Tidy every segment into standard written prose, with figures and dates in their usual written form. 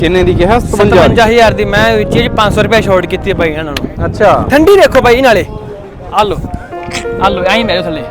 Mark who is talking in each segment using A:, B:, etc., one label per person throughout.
A: ਕਿੰਨੇ ਦੀ ਕਿਹਾ?
B: 57000 ਦੀ। ਮੈਂ ਵਿੱਚ 500 ਰੁਪਏ ਛੋੜ ਕੀਤੀ ਬਾਈ ਇਹਨਾਂ ਨੂੰ।
A: ਅੱਛਾ
B: ਠੰਡੀ ਦੇਖੋ ਬਾਈ ਨਾਲੇ ਆ ਲੋ ਐਂ ਮੇਰੇ ਥੱਲੇ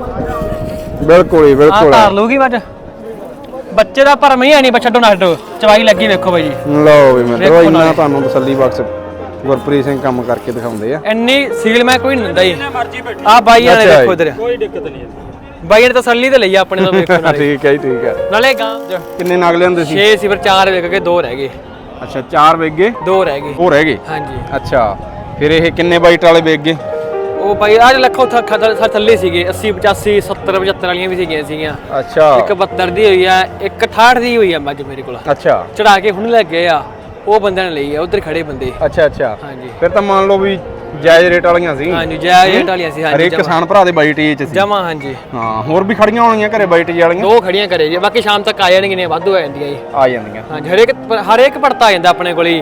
A: ਬਿਲਕੁਲ ਹੀ ਬਿਲਕੁਲ
B: ਧਾਰ ਲੂਗੀ ਮੱਝ। ਬੱਚੇ ਦਾ ਭਰਮ ਹੀ ਨਹੀਂ, ਛੱਡੋ ਨਾ ਛੱਡੋ, ਚਵਾਈ ਲੱਗੀ ਵੇਖੋ ਬਾਈ ਜੀ।
A: ਲਓ ਵੀ ਮਿੱਤਰੋ ਇੰਨਾ ਤੁਹਾਨੂੰ ਤਸੱਲੀ ਬਖਸ਼ ਗੁਰਪ੍ਰੀਤ ਸਿੰਘ ਕੰਮ ਕਰਕੇ ਦਿਖਾਉਂਦੇ ਆ।
B: ਇੰਨੀ ਸੀਲ ਮੈਂ ਕੋਈ ਨਹੀਂ ਦਿੰਦਾ ਜੀ। ਆ ਬਾਈ ਵਾਲੇ ਦੇਖੋ ਇਧਰ,
C: ਕੋਈ ਦਿੱਕਤ ਨਹੀਂ
B: ਬਾਈ ਨੇ ਤਸੱਲੀ ਤੇ ਲਈ ਆਪਣੇ ਤੋਂ ਵੇਖੋ ਨਾਲੇ।
A: ਠੀਕ ਹੈ ਜੀ ਠੀਕ ਹੈ।
B: ਨਾਲੇ ਗਾਂ
A: ਕਿੰਨੇ ਨਗ ਲਿਆਂਦੇ ਸੀ?
B: 6 ਸੀ, ਫਿਰ 4 ਵਿਕ ਗਏ, 2 ਰਹਿ ਗਏ।
A: ਅੱਛਾ 4 ਵਿਕ ਗਏ,
B: 2 ਰਹਿ ਗਏ।
A: ਉਹ ਰਹਿ ਗਏ।
B: ਹਾਂਜੀ।
A: ਅੱਛਾ ਫਿਰ ਇਹ ਕਿੰਨੇ ਬਾਈਟ ਵਾਲੇ ਵਿਕ ਗਏ?
B: ਉਹ ਬਾਈ ਅੱਜ ਲੱਖੋਂ ਥੱਲੇ ਸੀਗੇ, 80 85 70 75 ਵਾਲੀਆਂ ਵੀ ਸੀਗੀਆਂ।
A: ਅੱਛਾ
B: ਇੱਕ 72 ਦੀ ਹੋਈ ਆ, ਇੱਕ 68 ਦੀ ਹੋਈ ਆ ਮੱਝ ਮੇਰੇ ਕੋਲ।
A: ਅੱਛਾ
B: ਚੜਾ ਕੇ ਹੁਣ ਲੈ ਗਏ ਆ, ਉਹ ਬੰਦੇ ਨੇ ਲਈ ਆ, ਉਧਰ ਖੜੇ ਬੰਦੇ।
A: ਅੱਛਾ ਅੱਛਾ
B: ਹਾਂਜੀ।
A: ਫਿਰ ਤਾਂ ਮੰਨ ਲਓ ਵੀ ਜਾਇਜ਼ ਰੇਟ ਵਾਲੀਆਂ ਸੀ।
B: ਹਾਂਜੀ ਜਾਇਜ਼ ਰੇਟ ਵਾਲੀਆਂ ਸੀ। ਹਾਂਜੀ
A: ਹਰੇਕ ਕਿਸਾਨ ਭਰਾ ਦੇ ਬਾਈਟ ਏਚ ਸੀ
B: ਜਮਾ। ਹਾਂਜੀ
A: ਹਾਂ। ਹੋਰ ਵੀ ਖੜੀਆਂ ਹੋਣਗੀਆਂ ਘਰੇ ਬਾਈਟ ਵਾਲੀਆਂ?
B: 2 ਖੜੀਆਂ ਕਰੇ ਜੀ, ਬਾਕੀ ਸ਼ਾਮ ਤੱਕ ਆ ਜਾਣਗੀਆਂ, ਵਾਧੂ ਆ ਜਾਂਦੀਆਂ ਜੀ।
A: ਆ ਜਾਂਦੀਆਂ।
B: ਹਾਂਜੀ ਹਰੇਕ ਪੜਤਾ ਆ ਜਾਂਦਾ ਆਪਣੇ ਕੋਲ ਹੀ।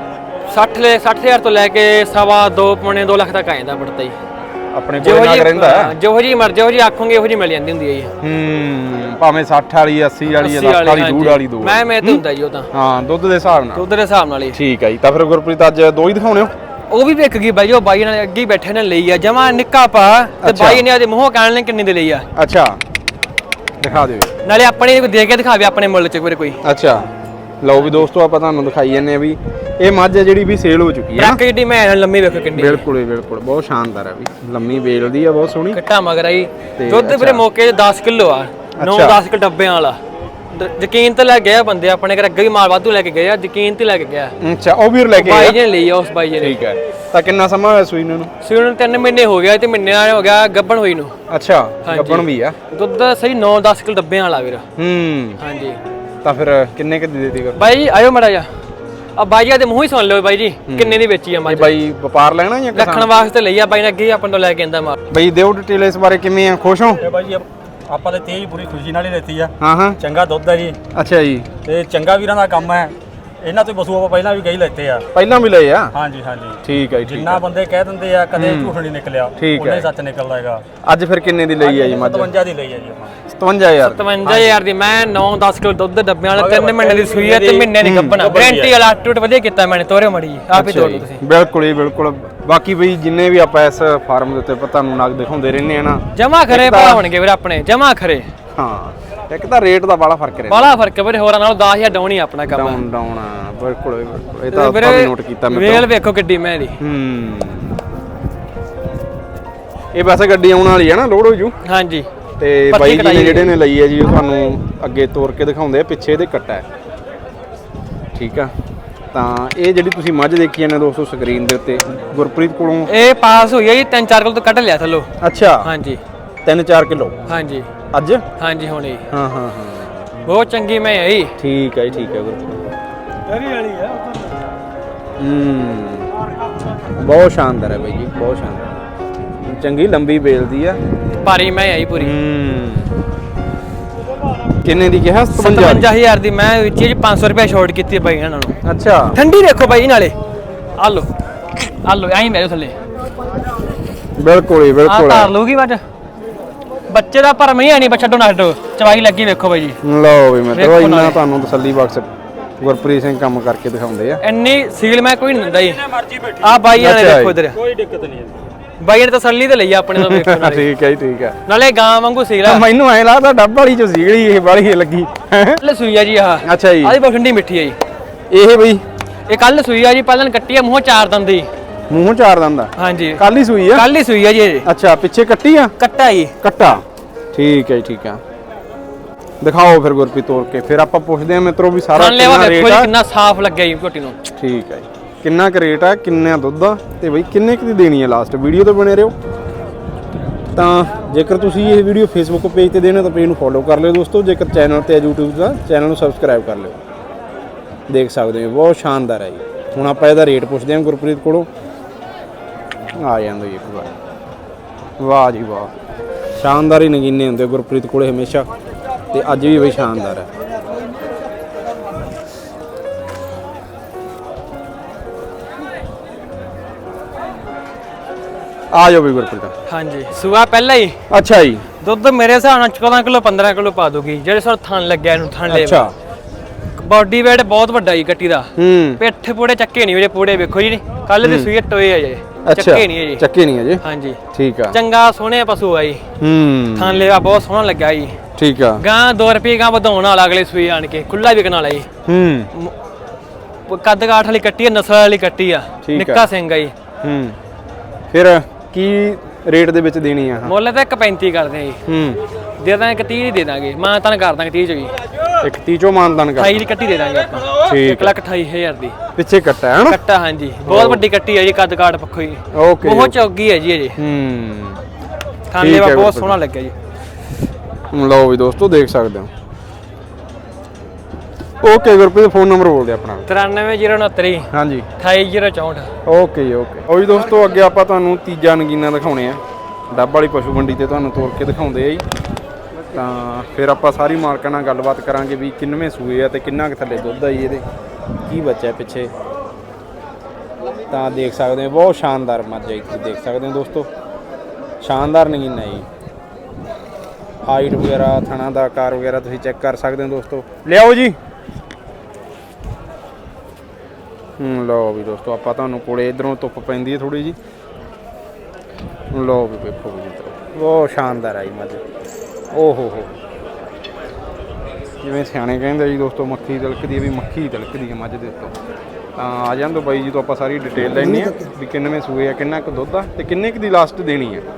B: 60,000 ਤੋਂ ਲੈ ਕੇ 2.5 ਪੌਣੇ 2 ਲੱਖ ਤੱਕ ਆ ਜਾਂਦਾ ਪੜਤਾ ਜੀ।
A: ਆਪਣੇ ਕੋਲ ਨਾ ਰਹਿੰਦਾ
B: ਜਿਹੋ ਜੀ ਮਰਜ਼ੀ, ਜਿਹੋ ਜੀ ਆਖੋਗੇ ਉਹੋ ਜੀ ਮਿਲ ਜਾਂਦੀ ਹੁੰਦੀ ਹੈ ਜੀ।
A: ਭਾਵੇਂ 60 ਵਾਲੀ 80 ਵਾਲੀ 10 ਵਾਲੀ ਦੂੜ ਵਾਲੀ ਦੋ
B: ਮੈਂ ਤੇ ਹੁੰਦਾ ਜੀ ਉਹ ਤਾਂ।
A: ਹਾਂ ਦੁੱਧ ਦੇ ਹਿਸਾਬ ਨਾਲ।
B: ਦੁੱਧ ਦੇ ਹਿਸਾਬ ਨਾਲ ਹੀ।
A: ਠੀਕ ਹੈ ਜੀ। ਤਾਂ ਫਿਰ ਗੁਰਪ੍ਰੀਤ ਅੱਜ 2 ਹੀ ਦਿਖਾਉਣੇ ਹੋ?
B: ਉਹ ਵੀ ਵਿਕ ਗਈ ਬਾਈ, ਉਹ ਬਾਈ ਨਾਲ ਅੱਗੇ ਬੈਠੇ ਨੇ ਲਈ ਆ, ਜਮਾ ਨਿੱਕਾ ਪਾ ਤੇ ਬਾਈ ਨੇ ਉਹਦੇ ਮੂੰਹੋਂ ਕਹਿਣ ਨੇ ਕਿੰਨੇ ਦੇ ਲਈ ਆ।
A: ਅੱਛਾ ਦਿਖਾ ਦਿਓ।
B: ਨਾਲੇ ਆਪਣੇ ਦੇ ਕੇ ਦਿਖਾਵੇ ਆਪਣੇ ਮੁੱਲ ਚ ਕੋਈ।
A: ਅੱਛਾ ਲਓ ਵੀ ਦੋਸਤੋ ਆਪਾਂ ਤੁਹਾਨੂੰ ਦਿਖਾਈ ਜਾਂਦੇ ਆ ਵੀ ਇਹ ਮੱਝ ਹੈ ਜਿਹੜੀ ਵੀ ਸੇਲ ਹੋ ਚੁੱਕੀ ਹੈ ਨਾ।
B: ਜਿਹੜੀ ਮੈਂ ਲੰਮੀ ਵੇਖੋ ਕਿੰਨੀ।
A: ਬਿਲਕੁਲ ਹੀ ਬਿਲਕੁਲ ਬਹੁਤ ਸ਼ਾਨਦਾਰ ਹੈ ਵੀ, ਲੰਮੀ ਵੇਲਦੀ ਆ ਬਹੁਤ ਸੋਹਣੀ।
B: ਕੱਟਾ ਮਗਰ ਆਈ। ਦੁੱਧ ਵੀਰੇ ਮੌਕੇ 10 ਕਿਲੋ ਆ, 9-10 ਕਿ ਡੱਬਿਆਂ ਵਾਲਾ। ਯਕੀਨ ਤੇ ਲੈ ਗਿਆ ਬੰਦੇ ਆਪਣੇ ਘਰ, ਅੱਗੇ ਵੀ ਮਾਲ ਵਾਧੂ ਲੈ ਕੇ ਗਏ ਆ, ਯਕੀਨ ਤੇ ਲੈ ਕੇ ਗਿਆ।
A: ਅੱਛਾ ਉਹ ਵੀਰ ਲੈ ਕੇ
B: ਬਾਈ ਜੀ ਨੇ ਲਈ ਆ, ਉਸ ਬਾਈ ਜੀ ਨੇ।
A: ਠੀਕ ਹੈ। ਤਾਂ ਕਿੰਨਾ ਸਮਾਂ ਹੋਇਆ ਸੂਈ ਨੂੰ?
B: ਸੂਈ ਨੂੰ 3 ਮਹੀਨੇ ਹੋ ਗਿਆ ਤੇ ਮਹੀਨੇ ਨਾਲ ਹੋ ਗਿਆ ਗੱਬਣ ਹੋਈ ਨੂੰ।
A: ਅੱਛਾ ਗੱਬਣ ਵੀ ਆ।
B: ਦੁੱਧ ਸਹੀ 9-10 ਕਿਲੋ ਡੱਬਿਆਂ ਵਾਲਾ ਵੀਰ। ਹਾਂਜੀ।
A: ਤਾਂ ਫਿਰ ਕਿੰਨੇ ਕਿ ਦੇ ਦੇਤੀ?
B: ਬਾਈ ਜੀ ਆਇਓ ਮੜਾ ਜਾ, ਆ ਬਾਈ ਜੀ ਦੇ ਮੂੰਹ ਹੀ ਸੁਣ ਲਿਓ ਬਾਈ ਜੀ ਕਿੰਨੇ ਦੀ ਵੇਚੀ ਆ ਮੱਝ।
A: ਬਾਈ ਵਪਾਰ ਲੈਣਾ ਜਾਂ
B: ਰੱਖਣ ਵਾਸਤੇ ਲਈ ਆ ਬਾਈ ਨੇ, ਅੱਗੇ ਆਪਾਂ ਤੋਂ ਲੈ ਕੇ ਆਂਦਾ ਮਾਲ।
A: ਬਾਈ ਦਿਓ ਡਿਟੇਲ ਇਸ ਬਾਰੇ, ਕਿਵੇਂ ਆ, ਖੁਸ਼ ਹੋ?
C: ਇਹ ਬਾਈ ਜੀ ਆਪਾਂ ਤੇ ਤੇਜ ਪੂਰੀ ਖੁਸ਼ੀ ਨਾਲ ਹੀ ਲੈਤੀ ਆ।
A: ਹਾਂ
C: ਚੰਗਾ ਦੁੱਧ ਹੈ ਜੀ
A: ਅੱਛਾ ਜੀ।
C: ਤੇ ਚੰਗਾ ਵੀਰਾਂ ਦਾ ਕੰਮ ਹੈ। ਇਹਨਾਂ ਤੋਂ ਪਸ਼ੂ ਆਪਾਂ ਪਹਿਲਾਂ ਵੀ ਗਈ ਲੈਤੇ ਆ।
A: ਪਹਿਲਾਂ ਵੀ ਲਏ ਆ?
C: ਹਾਂਜੀ
A: ਠੀਕ ਹੈ ਜੀ।
C: ਜਿੰਨਾ ਬੰਦੇ ਕਹਿ ਦਿੰਦੇ ਆ ਕਦੇ ਝੂਠ ਨਹੀਂ ਨਿਕਲਿਆ, ਉਹਨੇ ਸੱਚ ਨਿਕਲਦਾ ਹੈਗਾ।
A: ਅੱਜ ਫਿਰ ਕਿੰਨੇ ਦੀ ਲਈ ਆ ਜੀ ਮੱਝ?
C: 57 ਦੀ ਲਈ ਆ ਜੀ ਆਪਾਂ।
A: 57000
B: ਦੀ। ਮੈਂ 9-10 ਕਿਲੋ ਦੁੱਧ ਡੱਬਿਆਂ ਵਾਲਾ 3 ਮਹੀਨੇ ਦੀ ਸੂਈ ਹੈ ਤੇ ਮਹੀਨੇ ਦੀ ਗੱਬਣਾ। ਗਾਰੰਟੀ ਵਾਲਾ ਟੁੱਟ ਵਧੀਆ ਕੀਤਾ ਮੈਨੇ, ਤੋਰੇ ਮੜੀ ਆਪ ਹੀ ਤੋੜ ਲਓ ਤੁਸੀਂ।
A: ਬਿਲਕੁਲ ਹੀ ਬਿਲਕੁਲ। ਬਾਕੀ ਬਈ ਜਿੰਨੇ ਵੀ ਆਪਾਂ ਇਸ ਫਾਰਮ ਦੇ ਉੱਤੇ ਤੁਹਾਨੂੰ ਨਗ ਦਿਖਾਉਂਦੇ ਰਹਿੰਦੇ ਆ ਨਾ,
B: ਜਮਾ ਖਰੇ ਭਰਾ ਹੋਣਗੇ ਵੀਰ ਆਪਣੇ, ਜਮਾ ਖਰੇ।
A: ਹਾਂ ਇੱਕ ਤਾਂ ਰੇਟ ਦਾ ਬੜਾ ਫਰਕ ਰਹਿੰਦਾ।
B: ਬੜਾ ਫਰਕ ਵੀਰੇ, ਹੋਰਾਂ ਨਾਲੋਂ 10000 ਡਾਊਨ ਹੀ ਆਪਣਾ ਕੰਮ।
A: ਡਾਊਨ ਬਿਲਕੁਲ ਬਿਲਕੁਲ। ਇਹ ਤਾਂ ਆਪਾਂ ਵੀ ਨੋਟ ਕੀਤਾ ਮੈਂ।
B: ਵੇਲ ਵੇਖੋ ਕਿੱਡੀ ਮੈਂ ਦੀ।
A: ਇਹ ਵੈਸੇ ਗੱਡੀ ਆਉਣ ਵਾਲੀ ਹੈ ਨਾ, ਲੋਡ ਹੋ ਜੂ। ਹਾਂਜੀ। ਤੇ ਬਾਈ ਜੀ ਨੇ ਜਿਹੜੇ ਨੇ ਲਈ ਹੈ ਜੀ ਉਹ ਤੁਹਾਨੂੰ ਅੱਗੇ ਤੋਰ ਕੇ ਦਿਖਾਉਂਦੇ ਆ, ਪਿੱਛੇ ਇਹਦੇ ਕੱਟਾ ਹੈ। ਠੀਕ ਆ। ਤਾਂ ਇਹ ਜਿਹੜੀ ਤੁਸੀਂ ਮੱਝ ਦੇਖੀ ਜਾਂਦੇ ਦੋਸਤੋ ਸਕਰੀਨ ਦੇ ਉੱਤੇ, ਗੁਰਪ੍ਰੀਤ ਕੋਲੋਂ
B: ਇਹ ਪਾਸ ਹੋਈ ਹੈ ਜੀ 3-4 ਕਿਲੋ ਤੋਂ ਕੱਢ ਲਿਆ ਥੱਲੋਂ।
A: ਅੱਛਾ
B: ਹਾਂਜੀ
A: 3-4 ਕਿਲੋ।
B: ਹਾਂਜੀ
A: ਅੱਜ?
B: ਹਾਂਜੀ ਹੁਣੇ।
A: ਹਾਂ
B: ਬਹੁਤ ਚੰਗੀ ਮੈਂ ਆਈ।
A: ਠੀਕ ਹੈ ਜੀ ਠੀਕ ਹੈ ਗੁਰਪ੍ਰੀਤ।
B: ਡਰੀ ਵਾਲੀ ਆ।
A: ਬਹੁਤ ਸ਼ਾਨਦਾਰ ਹੈ ਬਾਈ ਜੀ, ਬਹੁਤ ਸ਼ਾਨਦਾਰ। ਚੰਗੀ ਲੰਬੀ ਬੇਲਦੀ ਆ,
B: ਭਾਰੀ ਮੈਂ ਆਈ ਪੂਰੀ।
A: ਕਿੰਨੇ ਦੀ ਕਿਹਾ?
B: 57000 ਦੀ। ਮੈਂ ਵਿੱਚ 500 ਰੁਪਏ ਛੋੜ ਕੀਤੀ ਬਾਈ ਇਹਨਾਂ ਨੂੰ।
A: ਅੱਛਾ
B: ਠੰਡੀ ਦੇਖੋ ਬਾਈ ਨਾਲੇ ਆ ਲੋ ਐਂ ਮੇਰੇ ਥੱਲੇ
A: ਬਿਲਕੁਲ ਹੀ ਬਿਲਕੁਲ।
B: ਧਾਰ ਲੂਗੀ ਮੱਝ। ਬੱਚੇ ਦਾ ਭਰਮ ਹੀ ਨਹੀਂ, ਛੱਡੋ ਨਾ ਛੱਡੋ, ਚਵਾਈ ਲੱਗੀ ਵੇਖੋ ਬਾਈ ਜੀ।
A: ਲਓ ਵੀ ਮਿੱਤਰੋ ਇੰਨਾ ਤੁਹਾਨੂੰ ਤਸੱਲੀ ਬਖਸ਼ ਗੁਰਪ੍ਰੀਤ ਸਿੰਘ ਕੰਮ ਕਰਕੇ ਦਿਖਾਉਂਦੇ ਆ।
B: ਇੰਨੀ ਸੀਲ ਮੈਂ ਕੋਈ ਨਹੀਂ ਦਿੰਦਾ ਜੀ। ਆ ਬਾਈ ਵਾਲੇ ਵੇਖੋ ਇਧਰ,
C: ਕੋਈ ਦਿੱਕਤ ਨਹੀਂ।
B: ਬਾਈ ਨੇ ਤਸੱਲੀ ਤੇ ਲਈ ਆਪਣੇ ਤੋਂ ਵੇਖੋ ਨਾਲੇ।
A: ਠੀਕ ਹੈ ਜੀ ਠੀਕ ਹੈ।
B: ਨਾਲੇ ਗਾਂ ਵਾਂਗੂ ਸੀਲ ਆ।
A: ਮੈਨੂੰ ਐ ਲੱਗਦਾ ਡੱਬ ਵਾਲੀ ਚ ਸੀਗੜੀ ਇਹ ਵਾਲੀ ਲੱਗੀ।
B: ਕੱਲ ਸੂਈ ਆ ਜੀ ਆਹ।
A: ਅੱਛਾ ਜੀ।
B: ਆਹ ਬਹੁਤ ਠੰਡੀ ਮਿੱਠੀ ਆ ਜੀ
A: ਇਹ ਬਈ
B: ਇਹ ਕੱਲ ਸੂਈ ਆ ਜੀ, ਪਹਿਲਾਂ ਕੱਟੀ ਆ, ਮੂੰਹ 4 ਦੰਦ ਦੀ।
A: ਮੂੰਹ 4 ਦੰਦ ਦਾ?
B: ਹਾਂਜੀ
A: ਕੱਲ ਹੀ ਸੂਈ ਆ?
B: ਕੱਲ ਹੀ ਸੂਈ ਆ ਜੀ।
A: ਅੱਛਾ ਪਿੱਛੇ ਕੱਟੀ ਆ?
B: ਕੱਟਾ ਜੀ।
A: ਕੱਟਾ। ਠੀਕ ਹੈ ਜੀ ਠੀਕ ਆ। ਦਿਖਾਓ ਫਿਰ ਗੁਰਪ੍ਰੀਤ ਤੋੜ ਕੇ, ਫਿਰ ਆਪਾਂ ਪੁੱਛਦੇ ਆ ਮਿੱਤਰੋ ਵੀ ਸਾਰਾ
B: ਕਿੰਨਾ ਰੇਟ ਆ, ਕਿੰਨਾ ਸਾਫ਼ ਲੱਗਿਆ ਜੀ ਝੋਟੀ ਨੂੰ।
A: ਠੀਕ ਹੈ ਜੀ। ਕਿੰਨਾ ਕੁ ਰੇਟ ਆ, ਕਿੰਨਾ ਦੁੱਧ ਆ ਤੇ ਬਈ ਕਿੰਨੇ ਕੁ ਦੀ ਦੇਣੀ ਆ ਲਾਸਟ ਵੀਡੀਓ ਤੋਂ ਬਣੇ ਰਹੋ। ਤਾਂ ਜੇਕਰ ਤੁਸੀਂ ਇਹ ਵੀਡੀਓ ਫੇਸਬੁੱਕ ਪੇਜ ਤੇ ਦੇਣਾ ਤਾਂ ਪੇਜ ਨੂੰ ਫੋਲੋ ਕਰ ਲਿਓ ਦੋਸਤੋ। ਜੇਕਰ ਚੈਨਲ ਤੇ YouTube ਦਾ ਚੈਨਲ ਨੂੰ ਸਬਸਕ੍ਰਾਈਬ ਕਰ ਲਿਓ। ਦੇਖ ਸਕਦੇ ਹੋ ਬਹੁਤ ਸ਼ਾਨਦਾਰ ਹੈ ਜੀ। ਹੁਣ ਆਪਾਂ ਇਹਦਾ ਰੇਟ ਪੁੱਛਦੇ ਹਾਂ ਗੁਰਪ੍ਰੀਤ ਕੋਲੋਂ। ਆ ਜਾਂਦਾ ਜੀ ਇੱਕ ਵਾਰ। ਵਾਹ ਜੀ ਵਾਹ, ਸ਼ਾਨਦਾਰ ਹੀ ਨਗੀਨੇ ਹੁੰਦੇ ਗੁਰਪ੍ਰੀਤ ਕੋਲੇ ਹਮੇਸ਼ਾ, ਤੇ ਅੱਜ ਵੀ ਬਈ ਸ਼ਾਨਦਾਰ ਹੈ। ਆ ਜਾਓ ਵੀ ਗੁਰਪ੍ਰੀਤ।
B: ਹਾਂਜੀ ਸੂਆ ਪਹਿਲਾਂ ਹੀ।
A: ਅੱਛਾ ਜੀ।
B: ਦੁੱਧ ਮੇਰੇ ਹਿਸਾਬ ਨਾਲ 14 ਕਿਲੋ 15 ਕਿਲੋ ਪਾ ਦੂਗੀ, ਜਿਹੜੇ ਸਰ ਥਣ ਲੱਗਿਆ ਇਹਨੂੰ ਥਣ ਲੈ।
A: ਅੱਛਾ
B: ਬਾਡੀ ਵੇਟ ਬਹੁਤ ਵੱਡਾ ਜੀ ਕੱਟੀ ਦਾ।
A: ਹੂੰ
B: ਪਿੱਠ ਪੂੜੇ ਚੱਕੇ ਨਹੀਂ ਵੀਰੇ, ਪੂੜੇ ਵੇਖੋ ਜੀ, ਕੱਲ ਦੀ ਸੂਈ ਟੋਏ ਆ ਜੀ,
A: ਅੱਛਾ
B: ਚੱਕੇ ਨਹੀਂ ਹੈ ਜੀ।
A: ਚੱਕੇ ਨਹੀਂ ਅਜੇ,
B: ਹਾਂਜੀ
A: ਠੀਕ ਆ।
B: ਚੰਗਾ ਸੋਹਣੇ ਪਸ਼ੂ ਆ ਜੀ,
A: ਹੂੰ
B: ਥਣ ਲੇਵਾ ਬਹੁਤ ਸੋਹਣਾ ਲੱਗਾ ਜੀ।
A: ਠੀਕ ਆ।
B: ਗਾਂ 2 ਰੁਪਏ ਗਾਂ ਵਧਾਉਣ ਵਾਲਾ ਅਗਲੇ ਸੂਈ ਆਣ ਕੇ, ਖੁੱਲਾ ਵਿਕਣ ਵਾਲਾ ਜੀ।
A: ਹੂੰ
B: ਕੱਦ ਕਾਠ ਵਾਲੀ ਕੱਟੀ ਆ, ਨਸਲ ਵਾਲੀ ਕੱਟੀ ਆ, ਨਿੱਕਾ ਸਿੰਘ ਆ ਜੀ।
A: ਹੂੰ ਫਿਰ ਕੀ ਰੇਟ ਦੇ ਵਿੱਚ ਦੇਣੀ ਆ?
B: ਮੁੱਲ ਤਾਂ 1.35 ਕਰਦੇ ਆ ਜੀ।
A: ਹੂੰ
B: ਦੇ ਦਾਂਗੇ 1.30 ਦੀ ਦੇ ਦਾਂਗੇ, ਮਾਂ ਤਾਂ ਕਰ ਦਾਂਗੇ 30 ਚ ਜੀ।
A: ਇੱਕ 30 ਚੋਂ ਮਾਨਦਾਨ ਕਰ
B: 28 ਦੀ ਕੱਟੀ ਦੇ ਦਾਂਗੇ ਆਪਾਂ,
A: ਠੀਕ
B: 1,28,000 ਦੀ
A: ਪਿੱਛੇ ਕੱਟਾ ਹੈ ਨਾ?
B: ਕੱਟਾ ਹਾਂਜੀ, ਬਹੁਤ ਵੱਡੀ ਕੱਟੀ ਹੈ ਜੀ, ਕੱਦ ਕਾਠ ਪੱਖੋਂ ਜੀ
A: ਓਕੇ
B: ਬਹੁਤ ਚੌਗੀ ਹੈ ਜੀ। ਅਜੇ
A: ਹੂੰ
B: ਥਣ ਲੇਵਾ ਬਹੁਤ ਸੋਹਣਾ ਲੱਗਿਆ ਜੀ।
A: ਲਓ ਵੀ ਦੋਸਤੋ ਦੇਖ ਸਕਦੇ ਹੋ। ਓਕੇ ਗੁਰਪ੍ਰੀਤ, ਫੋਨ ਨੰਬਰ ਬੋਲ ਦੇ ਆਪਣਾ।
B: 93,069
A: ਹਾਂਜੀ
B: 28,064।
A: ਓਕੇ ਜੀ ਓਕੇ। ਉਹ ਜੀ ਦੋਸਤੋ ਅੱਗੇ ਆਪਾਂ ਤੁਹਾਨੂੰ ਤੀਜਾ ਨਗੀਨਾ ਦਿਖਾਉਣੇ ਆ, ਡੱਬ ਵਾਲੀ ਪਸ਼ੂ ਮੰਡੀ ਤੇ ਤੁਹਾਨੂੰ ਤੋਰ ਕੇ ਦਿਖਾਉਂਦੇ ਆ ਜੀ। ਤਾਂ ਫਿਰ ਆਪਾਂ ਸਾਰੀ ਮਾਲਕਾਂ ਨਾਲ ਗੱਲਬਾਤ ਕਰਾਂਗੇ ਵੀ ਕਿੰਨਵੇਂ ਸੂਏ ਆ ਤੇ ਕਿੰਨਾ ਕੁ ਥੱਲੇ ਦੁੱਧ ਆ ਜੀ ਇਹਦੇ, ਕੀ ਬੱਚਾ ਪਿੱਛੇ। ਤਾਂ ਦੇਖ ਸਕਦੇ ਹੋ ਬਹੁਤ ਸ਼ਾਨਦਾਰ ਮੱਝ ਹੈ, ਤੁਸੀਂ ਦੇਖ ਸਕਦੇ ਹੋ ਦੋਸਤੋ, ਸ਼ਾਨਦਾਰ ਨਗੀਨਾ ਜੀ। ਹਾਈਟ ਵਗੈਰਾ, ਥਣਾ ਦਾ ਆਕਾਰ ਵਗੈਰਾ ਤੁਸੀਂ ਚੈੱਕ ਕਰ ਸਕਦੇ ਹੋ ਦੋਸਤੋ। ਲਿਆਓ ਜੀ। ਲਓ ਵੀ ਦੋਸਤੋ ਆਪਾਂ ਤੁਹਾਨੂੰ ਕੋਲੇ ਇਧਰੋਂ ਧੁੱਪ ਪੈਂਦੀ ਹੈ ਥੋੜੀ ਜੀ। ਲਓ ਵੀ ਵੇਖੋ ਵੀ ਬਹੁਤ ਸ਼ਾਨਦਾਰ ਆਈ ਮੱਝ। ਓ ਹੋ ਜਿਵੇਂ ਸਿਆਣੇ ਕਹਿੰਦੇ ਜੀ ਦੋਸਤੋ, ਮੱਖੀ ਤਿਲਕਦੀ ਹੈ ਵੀ ਮੱਖੀ ਤਿਲਕਦੀ ਹੈ ਮੱਝ ਦੇ ਉੱਤੋਂ। ਤਾਂ ਆ ਜਾਣ ਤੋਂ ਬਾਈ ਜੀ ਤੋਂ ਆਪਾਂ ਸਾਰੀ ਡਿਟੇਲ ਲੈਣੀ ਆ ਵੀ ਕਿੰਨਵੇਂ ਸੂਏ ਆ, ਕਿੰਨਾ ਕੁ ਦੁੱਧ ਆ ਤੇ ਕਿੰਨੇ ਕੁ ਦੀ ਲਾਸਟ ਦੇਣੀ ਆ।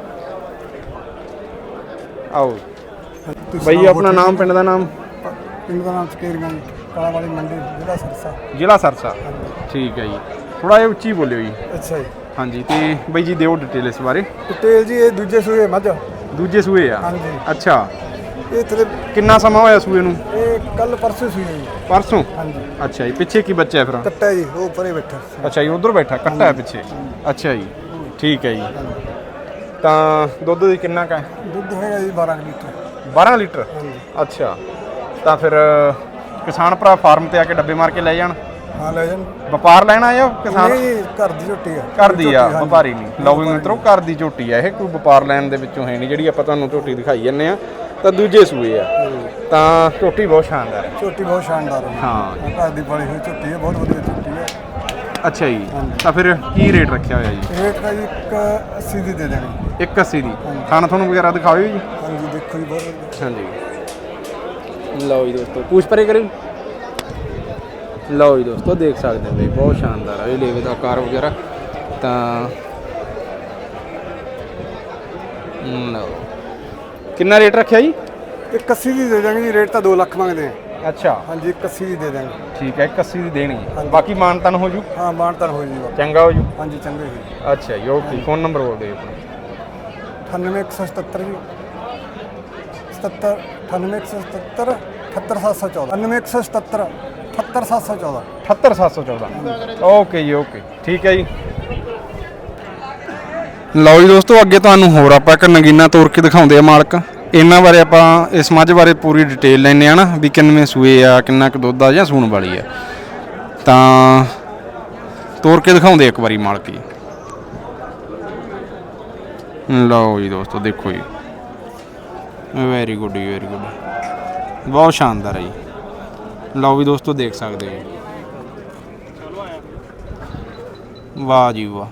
A: ਆਓ ਬਾਈ, ਆਪਣਾ ਨਾਮ, ਪਿੰਡ ਦਾ ਨਾਮ?
D: ਪਿੰਡ ਦਾ ਨਾਮ ਸਕੇਰੀਆਂ, ਕਾਲਾ ਵਾਲੀ ਮੰਡੀ, ਜ਼ਿਲ੍ਹਾ ਸਰਸਾ।
A: ਜ਼ਿਲ੍ਹਾ ਸਰਸਾ, ਠੀਕ ਹੈ ਜੀ। ਥੋੜਾ ਜਿਹਾ ਉੱਚੀ ਬੋਲਿਓ ਜੀ।
D: ਅੱਛਾ ਜੀ।
A: ਹਾਂਜੀ, ਤੇ ਬਾਈ ਜੀ ਦਿਓ ਡਿਟੇਲ ਇਸ ਬਾਰੇ।
D: ਡਿਟੇਲ ਜੀ ਇਹ ਦੂਜੇ ਸੂਏ ਮੱਝ।
A: ਦੂਜੇ ਸੂਏ ਆ?
D: ਹਾਂਜੀ।
A: ਅੱਛਾ,
D: ਇਹ ਥਲੇ
A: ਕਿੰਨਾ ਸਮਾਂ ਹੋਇਆ ਸੂਏ ਨੂੰ?
D: ਇਹ ਕੱਲ ਪਰਸੋਂ ਸੂਈ ਹੈ ਜੀ।
A: ਪਰਸੋਂ?
D: ਹਾਂਜੀ।
A: ਅੱਛਾ ਜੀ, ਪਿੱਛੇ ਕੀ ਬੱਚਾ ਹੈ ਫਿਰ?
D: ਕੱਟਾ ਜੀ, ਉਹ ਪਰੇ ਬੈਠਾ।
A: ਅੱਛਾ ਜੀ, ਉਧਰ ਬੈਠਾ ਕੱਟਾ ਹੈ ਪਿੱਛੇ। ਅੱਛਾ ਜੀ, ਠੀਕ ਹੈ ਜੀ। ਤਾਂ ਦੁੱਧ ਦੀ ਕਿੰਨਾ ਕੁ ਹੈ?
D: ਦੁੱਧ ਹੈਗਾ ਜੀ 12 ਲੀਟਰ।
A: 12 ਲੀਟਰ? ਅੱਛਾ, ਤਾਂ ਫਿਰ ਕਿਸਾਨ ਭਰਾ ਫਾਰਮ ਤੇ ਆ ਕੇ ਡੱਬੇ ਮਾਰ ਕੇ ਲੈ ਜਾਣ?
D: ਹਾਂ ਲੈ ਜਾਣ।
A: ਵਪਾਰ ਲੈਣਾ ਆ ਕਿਸਾਨ?
D: ਨਹੀਂ, ਘਰ ਦੀ ਝੋਟੀ ਆ।
A: ਘਰ ਦੀ ਆ, ਵਪਾਰੀ ਨਹੀਂ। ਲਓ ਵੀ ਮਿੱਤਰੋ, ਘਰ ਦੀ ਝੋਟੀ ਆ ਇਹ, ਕੋਈ ਵਪਾਰ ਲੈਣ ਦੇ ਵਿੱਚੋਂ ਹੈ ਨਹੀਂ। ਜਿਹੜੀ ਆਪਾਂ ਤੁਹਾਨੂੰ ਝੋਟੀ ਦਿਖਾਈ ਜਾਂਦੇ ਆ ਤਾਂ ਦੂਜੇ ਸੂਏ ਆ। ਤਾਂ ਝੋਟੀ ਬਹੁਤ ਸ਼ਾਨਦਾਰ ਹੈ।
D: ਝੋਟੀ ਬਹੁਤ ਸ਼ਾਨਦਾਰ ਹੈ।
A: ਹਾਂ,
D: ਘਰ ਦੀ ਪਾਲੀ ਹੋਈ ਝੋਟੀ ਹੈ, ਬਹੁਤ ਵਧੀਆ ਝੋਟੀ ਹੈ।
A: ਅੱਛਾ ਜੀ, ਤਾਂ ਫਿਰ ਕੀ ਰੇਟ ਰੱਖਿਆ ਹੋਇਆ ਜੀ?
D: ਰੇਟ ਦਾ ਜੀ 180 ਦੀ ਦੇ ਦੇਣੀ।
A: 180 ਦੀ? ਖਾਣਾ ਤੁਹਾਨੂੰ ਵਗੈਰਾ ਦਿਖਾਓ ਜੀ।
D: ਹਾਂਜੀ ਦੇਖੋ ਜੀ, ਬਹੁਤ ਵਧੀਆ।
A: ਹਾਂਜੀ, ਲਓ ਜੀ ਦੋਸਤੋ, ਪੂਛ ਪਰੇ ਕਰਿਓ। ਲਓ ਜੀ ਦੋਸਤੋ ਦੇਖ ਸਕਦੇ ਹੋ ਬਈ, ਬਹੁਤ ਸ਼ਾਨਦਾਰ ਆ ਇਹ ਲੇਵੇ ਦਾ ਆਕਾਰ ਵਗੈਰਾ। ਤਾਂ ਲਓ, ਕਿੰਨਾ ਰੇਟ ਰੱਖਿਆ ਜੀ?
D: 180 ਦੀ ਦੇ ਦਾਂਗੇ ਜੀ, ਰੇਟ ਤਾਂ 2 ਲੱਖ ਮੰਗਦੇ ਆ।
A: ਅੱਛਾ,
D: ਹਾਂਜੀ 180 ਦੀ ਦੇ ਦਾਂਗੇ।
A: ਠੀਕ ਹੈ, 180 ਦੀ ਦੇਣੀ, ਬਾਕੀ ਮਾਨਤਾਨ ਹੋ ਜੂ?
D: ਹਾਂ ਮਾਨਤਾਨ ਹੋ ਜੀ।
A: ਚੰਗਾ ਹੋ ਜੂ?
D: ਹਾਂਜੀ ਚੰਗੇ ਜੀ।
A: ਅੱਛਾ ਜੀ, ਓਕੇ। ਫੋਨ ਨੰਬਰ ਬੋਲ ਦਿਓ ਆਪਣਾ।
D: 98177 ਜੀ 77 98177 78714 98177 78714
A: 78714। ਓਕੇ ਜੀ, ਓਕੇ, ਠੀਕ ਹੈ ਜੀ। ਲਓ ਜੀ ਦੋਸਤੋ, ਅੱਗੇ ਤੁਹਾਨੂੰ ਹੋਰ ਆਪਾਂ ਇੱਕ ਨਗੀਨਾ ਤੋਰ ਕੇ ਦਿਖਾਉਂਦੇ ਆ ਮਾਲਕ। ਇਹਨਾਂ ਬਾਰੇ ਆਪਾਂ ਇਸ ਮੱਝ ਬਾਰੇ ਪੂਰੀ ਡਿਟੇਲ ਲੈਂਦੇ ਆ ਨਾ, ਵੀ ਕਿੰਨਵੇਂ ਸੂਏ ਆ, ਕਿੰਨਾ ਕੁ ਦੁੱਧ ਆ ਜਾਂ ਸੂਣ ਵਾਲੀ ਆ। ਤਾਂ ਤੋਰ ਕੇ ਦਿਖਾਉਂਦੇ ਇੱਕ ਵਾਰੀ ਮਾਲਕ ਜੀ। ਲਓ ਜੀ ਦੋਸਤੋ ਦੇਖੋ ਜੀ, ਵੈਰੀ ਗੁੱਡ ਜੀ, ਵੈਰੀ ਗੁੱਡ, ਬਹੁਤ ਸ਼ਾਨਦਾਰ ਹੈ ਜੀ। ਲਓ ਵੀ ਦੋਸਤੋ ਦੇਖ ਸਕਦੇ ਹੋ, ਵਾਹ ਜੀ ਵਾਹ।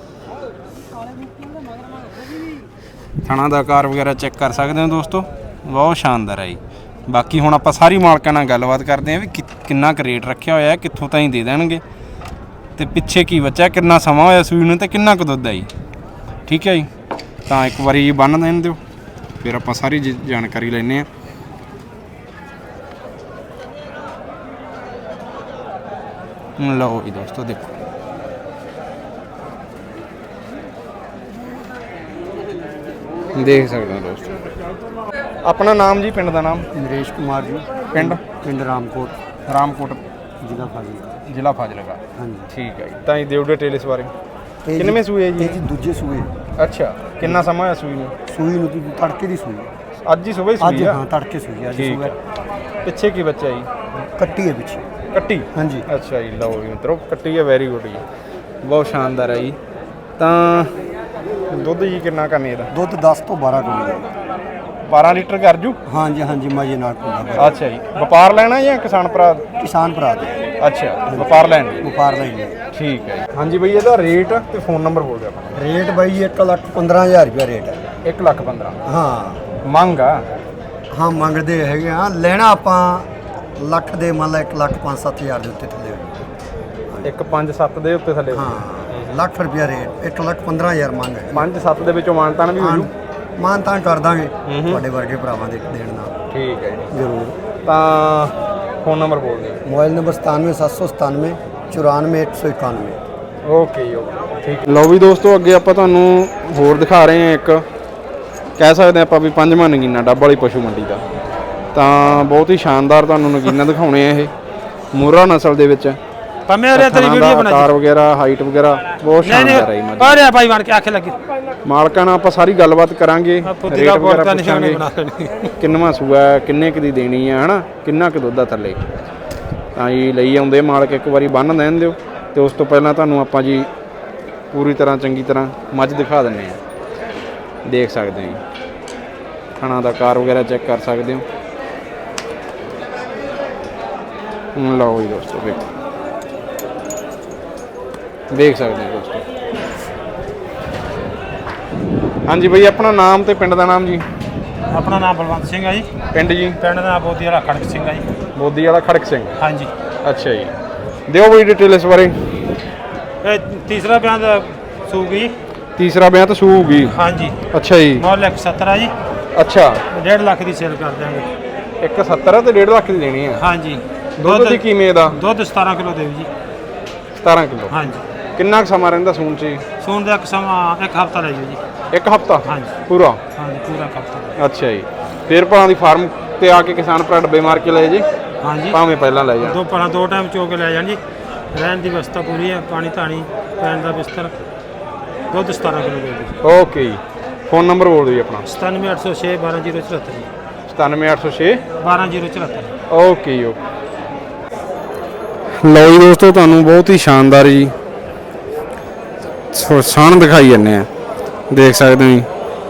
A: ਥਣਾ ਦਾ ਆਕਾਰ ਵਗੈਰਾ ਚੈੱਕ ਕਰ ਸਕਦੇ ਹੋ ਦੋਸਤੋ, ਬਹੁਤ ਸ਼ਾਨਦਾਰ ਹੈ ਜੀ। ਬਾਕੀ ਹੁਣ ਆਪਾਂ ਸਾਰੀ ਮਾਲਕਾਂ ਨਾਲ ਗੱਲਬਾਤ ਕਰਦੇ ਹਾਂ ਵੀ ਕਿੰਨਾ ਕੁ ਰੇਟ ਰੱਖਿਆ ਹੋਇਆ, ਕਿੱਥੋਂ ਤਾਈਂ ਦੇ ਦੇਣਗੇ, ਤੇ ਪਿੱਛੇ ਕੀ ਬੱਚਾ, ਕਿੰਨਾ ਸਮਾਂ ਹੋਇਆ ਸੂਈ ਨੂੰ, ਤੇ ਕਿੰਨਾ ਕੁ ਦੁੱਧ ਹੈ ਜੀ। ਠੀਕ ਹੈ ਜੀ, ਤਾਂ ਇੱਕ ਵਾਰੀ ਜੀ ਬੰਨ ਦੇਣ ਦਿਓ, ਫਿਰ ਆਪਾਂ ਸਾਰੀ ਜਾਣਕਾਰੀ ਲੈਂਦੇ ਹਾਂ। ਲਓ ਜੀ ਦੋਸਤੋ ਦੇਖੋ, ਦੇਖ ਸਕਦੇ ਹੋ ਦੋਸਤੋ। ਆਪਣਾ ਨਾਮ ਜੀ, ਪਿੰਡ ਦਾ ਨਾਮ?
D: ਨਰੇਸ਼ ਕੁਮਾਰ ਜੀ।
A: ਪਿੰਡ?
D: ਪਿੰਡ ਰਾਮਕੋਟ,
A: ਰਾਮਕੋਟ,
D: ਜ਼ਿਲ੍ਹਾ ਫਾਜ਼ਿਲਕਾ।
A: ਜ਼ਿਲ੍ਹਾ ਫਾਜ਼ਿਲਕਾ,
D: ਹਾਂਜੀ
A: ਠੀਕ ਹੈ ਜੀ। ਤਾਂ ਇਹ ਦਿਓ ਡਿਟੇਲ ਇਸ ਬਾਰੇ। ਕਿੰਨਵੇਂ ਸੂਏ ਜੀ?
D: ਇਹ ਜੀ ਦੂਜੇ ਸੂਏ।
A: ਅੱਛਾ, ਕਿੰਨਾ ਸਮਾਂ ਹੋਇਆ ਸੂਈ ਨੂੰ?
D: ਸੂਈ ਨੂੰ ਜੀ ਤੜਕੇ ਦੀ ਸੂਈ।
A: ਅੱਜ ਹੀ ਸਵੇਰ
D: ਅੱਜ
A: ਸੂਈ ਆ?
D: ਹਾਂ ਤੜਕੇ ਸੂਈ ਅੱਜ
A: ਠੀਕ
D: ਸੂਆ।
A: ਹੈ। ਪਿੱਛੇ ਕੀ ਬੱਚਾ ਜੀ?
D: ਕੱਟੀ ਹੈ ਪਿੱਛੇ।
A: ਕੱਟੀ?
D: ਹਾਂਜੀ।
A: ਅੱਛਾ ਜੀ, ਲਓ ਜੀ ਮਿੱਤਰੋ, ਕੱਟੀ ਹੈ, ਵੈਰੀ ਗੁੱਡ ਜੀ, ਬਹੁਤ ਸ਼ਾਨਦਾਰ ਹੈ ਜੀ। ਤਾਂ ਦੁੱਧ ਜੀ ਕਿੰਨਾ ਕਰਨੀ ਇਹਦਾ?
D: ਦੁੱਧ 10 ਤੋਂ 12 ਕਿਲੋ।
A: 12 ਲੀਟਰ ਕਰ ਜੂ।
D: ਹਾਂਜੀ ਹਾਂਜੀ ਮਜੇ ਨਾਲ ਪੂਰਾ
A: ਅੱਛਾ ਜੀ, ਵਪਾਰ ਲੈਣਾ ਜਾਂ ਕਿਸਾਨ ਭਰਾ?
D: ਕਿਸਾਨ ਭਰਾ ਦੇ
A: ਅੱਛਾ, ਵਪਾਰ ਲੈਣ ਲਈ।
D: ਵਪਾਰ ਲੈਣੇ।
A: ਠੀਕ ਹੈ ਜੀ। ਹਾਂਜੀ ਬਈ, ਇਹਦਾ ਰੇਟ ਤੇ ਫੋਨ ਨੰਬਰ ਬੋਲ ਦਿਓ ਆਪਣਾ।
D: ਰੇਟ ਬਾਈ 1,15,000 ਰੁਪਇਆ ਰੇਟ ਹੈ।
A: 1,15,000
D: ਹਾਂ
A: ਮੰਗ ਆ।
D: ਹਾਂ ਮੰਗਦੇ ਹੈਗੇ ਆ, ਲੈਣਾ ਆਪਾਂ ਲੱਖ ਦੇ ਮੰਨ ਲਾ 1,05,000-7,000 ਦੇ ਉੱਤੇ ਥੱਲੇ ਹੋਊ।
A: 1,5,7 ਦੇ ਉੱਤੇ ਥੱਲੇ।
D: ਹਾਂ ਲੱਖ ਰੁਪਇਆ ਰੇਟ, 1,15,000 ਮੰਗ ਹੈ।
A: 5-7 ਦੇ ਵਿੱਚੋਂ ਮਾਨਤਾਨ ਵੀ ਹੋ ਜੂ।
D: ਮਾਨਤਾਨ ਕਰ ਦਾਂਗੇ ਤੁਹਾਡੇ ਵਰਗੇ ਭਰਾਵਾਂ ਦੇ ਦੇਣ ਨਾਲ।
A: ਠੀਕ ਹੈ ਜੀ।
D: ਜ਼ਰੂਰ।
A: ਤਾਂ ਫੋਨ ਨੰਬਰ ਬੋਲ ਦਿਓ।
D: Mobile number 97 797 94 191।
A: ਓਕੇ ਜੀ, ਓਕੇ, ਠੀਕ। ਲਓ ਵੀ ਦੋਸਤੋ, ਅੱਗੇ ਆਪਾਂ ਤੁਹਾਨੂੰ ਹੋਰ ਦਿਖਾ ਰਹੇ ਹਾਂ ਇੱਕ, ਕਹਿ ਸਕਦੇ ਆਪਾਂ ਵੀ 5ਵਾਂ ਨਗੀਨਾ ਡੱਬ ਵਾਲੀ ਪਸ਼ੂ ਮੰਡੀ ਦਾ। ਤਾਂ ਬਹੁਤ ਹੀ ਸ਼ਾਨਦਾਰ ਤੁਹਾਨੂੰ ਨਗੀਨਾ ਦਿਖਾਉਣੇ ਆ ਇਹ ਮੋਹਰਾ ਨਸਲ ਦੇ ਵਿੱਚ।
C: ਪੰਮੇ ਉਰੇ ਤੇਰੀ ਵੀਡੀਓ ਬਣਾ
A: ਆਕਾਰ ਵਗੈਰਾ, ਹਾਈਟ ਵਗੈਰਾ ਬਹੁਤ ਸ਼ਾਨਦਾਰ ਹੈ ਜੀ।
C: ਪਰ ਆ ਭਾਈ ਬਣ ਕੇ ਆਖੇ ਲੱਗੀ
A: ਮਾਲਕਾਂ ਨਾਲ ਆਪਾਂ ਸਾਰੀ ਗੱਲਬਾਤ ਕਰਾਂਗੇ, ਰੇਟ ਵਗੈਰਾ ਪੁੱਛਾਂਗੇ, ਕਿੰਨਵਾਂ ਸੂਆ, ਕਿੰਨੇ ਕੁ ਦੀ ਦੇਣੀ ਆ, ਹਨਾ, ਕਿੰਨਾ ਕੁ ਦੁੱਧ ਆ ਥੱਲੇ। ਤਾਂ ਜੀ ਲਈ ਆਉਂਦੇ ਮਾਲਕ, ਇੱਕ ਵਾਰੀ ਬੰਨ੍ਹ ਦੇਣ ਦਿਓ। ਤੇ ਉਸ ਤੋਂ ਪਹਿਲਾਂ ਤੁਹਾਨੂੰ ਆਪਾਂ ਜੀ ਪੂਰੀ ਤਰ੍ਹਾਂ ਚੰਗੀ ਤਰ੍ਹਾਂ ਮੱਝ ਦਿਖਾ ਦਿੰਦੇ ਆ। ਦੇਖ ਸਕਦੇ ਹੋ ਜੀ, ਖਾਣਾ ਦਾ ਕਾਰ ਵਗੈਰਾ ਚੈੱਕ ਕਰ ਸਕਦੇ ਹੋ। ਲਓ ਜੀ ਦੋਸਤੋ, ਵੇਖੋ, ਦੇਖ ਸਕਦੇ ਹੋ ਦੋਸਤੋ। ਹਾਂਜੀ ਬਈ, ਆਪਣਾ ਨਾਮ ਤੇ ਪਿੰਡ ਦਾ ਨਾਮ ਜੀ?
C: ਆਪਣਾ ਨਾਮ ਬਲਵੰਤ ਸਿੰਘ ਹੈ ਜੀ।
A: ਪਿੰਡ ਜੀ?
C: ਪਿੰਡ ਦਾ ਨਾਮ ਬੋਦੀ ਵਾਲਾ ਖੜਕ ਸਿੰਘ ਹੈ ਜੀ।
A: ਬੋਦੀ ਵਾਲਾ ਖੜਕ ਸਿੰਘ।
C: ਹਾਂਜੀ।
A: ਅੱਛਾ ਜੀ, ਦਿਓ ਬਈ ਡਿਟੇਲ ਇਸ ਬਾਰੇ।
C: ਇਹ ਤੀਸਰਾ ਬਿਆਨ ਦਾ ਸੂਗੀ।
A: ਤੀਸਰਾ ਵਿਆਹ ਤਾਂ ਸੂਗੀ।
C: ਹਾਂਜੀ।
A: ਅੱਛਾ ਜੀ।
C: ਮੁੱਲ 170 ਆ ਜੀ।
A: ਅੱਛਾ,
C: 1.5 ਲੱਖ ਦੀ ਸੇਲ ਕਰ ਦਿਆਂਗੇ।
A: 170 ਤੇ 1.5 ਲੱਖ ਦੀ ਦੇਣੀ ਆ।
C: ਹਾਂਜੀ।
A: ਦੁੱਧ ਦੀ ਕਿਵੇਂ ਦਾ?
C: ਦੁੱਧ 17 ਕਿਲੋ ਦੇਵ ਜੀ।
A: 17 ਕਿਲੋ।
C: ਹਾਂਜੀ।
A: ਕਿੰਨਾ ਕੁ ਸਮਾਂ ਰਹਿੰਦਾ ਸੂਣ 'ਚ?
C: ਸੂਣ ਦਾ ਇੱਕ ਸਮਾਂ 1 ਹਫ਼ਤਾ ਲੈ ਜਾਓ ਜੀ।
A: 1 ਹਫ਼ਤਾ?
C: ਹਾਂਜੀ।
A: ਪੂਰਾ?
C: ਹਾਂਜੀ, ਪੂਰਾ ਹਫ਼ਤਾ।
A: ਅੱਛਾ ਜੀ। ਫਿਰ ਭਾਂ ਦੀ ਫਾਰਮ ਤੇ ਆ ਕੇ ਕਿਸਾਨ ਭਰਾ ਡੱਬੇ ਮਾਰ ਕੇ ਲੈ ਜੇ,
C: ਹਾਂਜੀ,
A: ਭਾਵੇਂ ਪਹਿਲਾਂ ਲੈ ਜਾਣ।
C: ਦੋ ਟਾਈਮ ਚੋ ਕੇ ਲੈ ਜਾਣ ਜੀ। ਰਹਿਣ ਦੀ ਵਿਵਸਥਾ ਪੂਰੀ ਹੈ, ਪਾਣੀ ਧਾਣੀ ਪੈਣ ਦਾ ਬਿਸਤਰ। ਦੁੱਧ 17 ਕਿਲੋ ਦੇ ਜੀ।
A: ਓਕੇ ਜੀ। ਫੋਨ ਨੰਬਰ ਬੋਲ ਦਿਓ ਜੀ ਆਪਣਾ।
C: 97806 12074 ਜੀ।
A: 97806
C: 12074।
A: ਓਕੇ ਜੀ, ਓਕੇ। ਲਓ ਜੀ ਦੋਸਤੋ, ਤੁਹਾਨੂੰ ਬਹੁਤ ਹੀ ਸ਼ਾਨਦਾਰ ਜੀ ਸਾਣ ਦਿਖਾਈ ਜਾਂਦੇ ਆ, ਦੇਖ ਸਕਦੇ ਹੋ ਜੀ।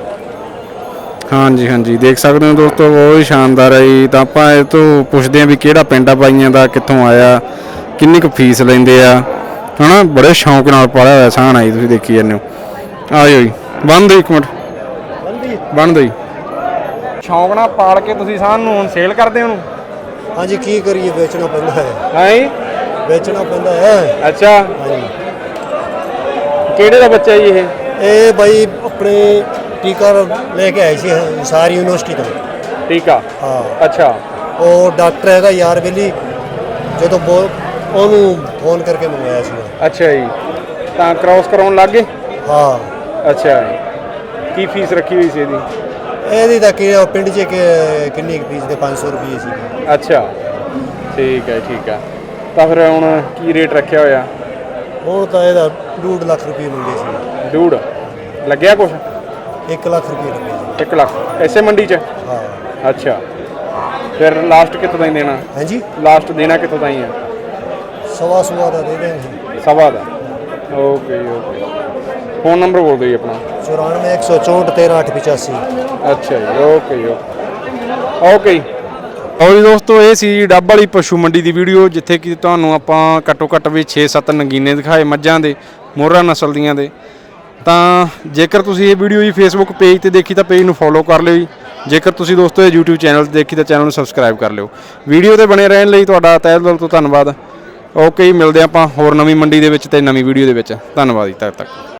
A: ਹਾਂਜੀ ਹਾਂਜੀ, ਦੇਖ ਸਕਦੇ ਹੋ ਦੋਸਤੋ, ਬਹੁਤ ਹੀ ਸ਼ਾਨਦਾਰ ਹੈ ਜੀ। ਤਾਂ ਆਪਾਂ ਇਹ ਤੋਂ ਪੁੱਛਦੇ ਹਾਂ ਵੀ ਕਿਹੜਾ ਪਿੰਡ ਆ ਬਾਈਆਂ ਦਾ, ਕਿੱਥੋਂ ਆਇਆ, ਕਿੰਨੀ ਕੁ ਫੀਸ ਲੈਂਦੇ ਆ, ਹਨਾ। ਬੜੇ ਸ਼ੌਂਕ ਨਾਲ ਪਾਲਿਆ ਹੋਇਆ ਸਾਣ ਆ ਜੀ, ਤੁਸੀਂ ਦੇਖੀ ਜਾਂਦੇ ਹੋ। ਆ ਜਾਓ ਜੀ, ਬੰਨ ਦਿਓ 1 ਮਿੰਟ, ਬੰਨ ਦਿਓ ਜੀ। ਸ਼ੌਂਕ ਨਾਲ ਪਾਲ ਕੇ ਤੁਸੀਂ ਸਾਣ ਨੂੰ ਹੁਣ ਸੇਲ ਕਰਦੇ ਹੋ?
D: ਹਾਂਜੀ, ਕੀ ਕਰੀਏ, ਵੇਚਣਾ ਪੈਂਦਾ ਹੈ।
A: ਹਾਂਜੀ,
D: ਵੇਚਣਾ ਪੈਂਦਾ ਹੈ।
A: ਅੱਛਾ,
D: ਹਾਂਜੀ।
A: ਕਿਹੜੇ ਦਾ ਬੱਚਾ ਜੀ ਇਹ?
D: ਇਹ ਬਾਈ ਆਪਣੇ ਟੀਕਾ ਲੈ ਕੇ ਆਏ ਸੀ ਸਾਰੀ ਯੂਨੀਵਰਸਿਟੀ ਤੋਂ।
A: ਟੀਕਾ?
D: ਹਾਂ।
A: ਅੱਛਾ।
D: ਉਹ ਡਾਕਟਰ ਹੈਗਾ ਯਾਰ ਬੇਲੀ, ਜਦੋਂ ਉਹਨੂੰ ਫੋਨ ਕਰਕੇ ਮੰਗਵਾਇਆ ਸੀ।
A: ਅੱਛਾ ਜੀ, ਤਾਂ ਕ੍ਰਾਸ ਕਰਾਉਣ ਲੱਗ ਗਏ?
D: ਹਾਂ।
A: ਅੱਛਾ ਜੀ। ਕੀ ਫੀਸ ਰੱਖੀ ਹੋਈ ਸੀ ਇਹਦੀ?
D: ਇਹਦੀ ਤਾਂ ਕਿ ਪਿੰਡ 'ਚ ਕਿੰਨੀ ਫੀਸ ਦੇ 500 ਰੁਪਏ ਸੀ।
A: ਅੱਛਾ, ਠੀਕ ਹੈ, ਠੀਕ ਹੈ। ਤਾਂ ਫਿਰ ਹੁਣ ਕੀ ਰੇਟ ਰੱਖਿਆ ਹੋਇਆ?
D: ਹੁਣ ਤਾਂ ਇਹਦਾ 2.5 ਲੱਖ ਰੁਪਏ ਮੰਗੇ ਸੀ।
A: ਡੂੜ ਲੱਗਿਆ ਕੁਛ?
D: 1 ਲੱਖ ਰੁਪਏ ਲੱਗੇ ਸੀ।
A: 1 ਲੱਖ ਐਸੇ ਮੰਡੀ 'ਚ?
D: ਹਾਂ।
A: ਅੱਛਾ, ਫਿਰ ਲਾਸਟ ਕਿੱਥੋਂ ਤਾਈਂ ਦੇਣਾ?
D: ਹਾਂਜੀ,
A: ਲਾਸਟ ਦੇਣਾ ਕਿੱਥੋਂ ਤਾਈਂ ਆ?
D: ਸਵਾ ਦਾ ਦੇ ਦੇਣਗੇ।
A: ਸਵਾ ਦਾ? ਓਕੇ ਜੀ, ਓਕੇ। ਫੋਨ ਨੰਬਰ ਬੋਲ ਦਿਓ ਜੀ ਆਪਣਾ।
D: 94 164 13 885।
A: ਅੱਛਾ ਜੀ, ਓਕੇ ਜੀ, ਓਕੇ। ਓਕੇ ਜੀ। ਔਰ ਜੀ ਦੋਸਤੋ, ਇਹ ਸੀ ਡੱਬ ਵਾਲੀ ਪਸ਼ੂ ਮੰਡੀ ਦੀ ਵੀਡੀਓ, ਜਿੱਥੇ ਕਿ ਤੁਹਾਨੂੰ ਆਪਾਂ ਘੱਟੋ ਘੱਟ ਵੀ 6-7 ਨਗੀਨੇ ਦਿਖਾਏ ਮੱਝਾਂ ਦੇ, ਮੋਹਰਾ ਨਸਲ ਦੀਆਂ ਦੇ। ਤਾਂ ਜੇਕਰ ਤੁਸੀਂ ਇਹ ਵੀਡੀਓ ਜੀ ਫੇਸਬੁੱਕ ਪੇਜ ਤੇ ਦੇਖੀ ਤਾਂ ਪੇਜ ਨੂੰ ਫੋਲੋ ਕਰ ਲਿਓ ਜੀ। ਜੇਕਰ ਤੁਸੀਂ ਦੋਸਤੋ ਇਹ YouTube ਚੈਨਲ ਤੇ ਦੇਖੀ ਤਾਂ ਚੈਨਲ ਨੂੰ ਸਬਸਕ੍ਰਾਈਬ ਕਰ ਲਿਓ। ਵੀਡੀਓ ਤੇ ਬਣੇ ਰਹਿਣ ਲਈ ਤੁਹਾਡਾ ਤਹਿ ਦਿਲ ਤੋਂ ਧੰਨਵਾਦ। ਓਕੇ ਜੀ, ਮਿਲਦੇ ਆਪਾਂ ਹੋਰ ਨਵੀਂ ਮੰਡੀ ਦੇ ਵਿੱਚ ਤੇ ਨਵੀਂ ਵੀਡੀਓ ਦੇ ਵਿੱਚ। ਧੰਨਵਾਦ ਜੀ, ਤਦ ਤੱਕ।